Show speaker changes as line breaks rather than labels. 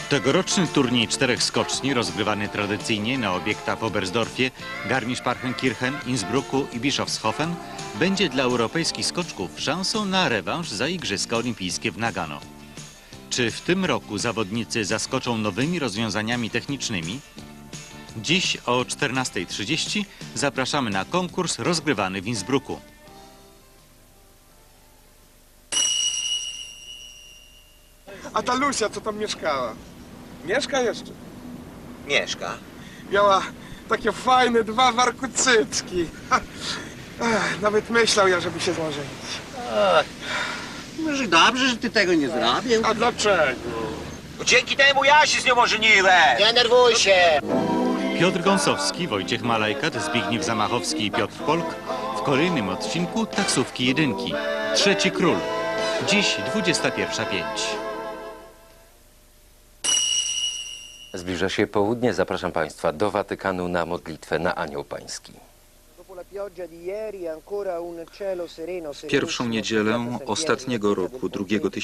Tegoroczny turniej 4 skoczni, rozgrywany tradycyjnie na obiektach w Oberstdorfie, Garmisch-Partenkirchen, Innsbrucku i Bischofshofen, będzie dla europejskich skoczków szansą na rewanż za Igrzyska Olimpijskie w Nagano. Czy w tym roku zawodnicy zaskoczą nowymi rozwiązaniami technicznymi? Dziś o 14:30 zapraszamy na konkurs rozgrywany w Innsbrucku.
A ta Lucia, co tam mieszkała? Mieszka jeszcze?
Mieszka.
Miała takie fajne 2 warkucycki. Nawet myślał ja, żeby się złożyć.
Może dobrze, że ty tego nie zrobił.
A dlaczego?
Dzięki temu ja się z nią ożeniłem.
Nie nerwuj się.
Piotr Gąsowski, Wojciech Malajkat, Zbigniew Zamachowski i Piotr Polk w kolejnym odcinku Taksówki Jedynki. Trzeci Król. Dziś 21:05.
Zbliża się południe. Zapraszam Państwa do Watykanu na modlitwę na Anioł Pański.
Pierwszą niedzielę ostatniego roku, drugiego tysiąclecia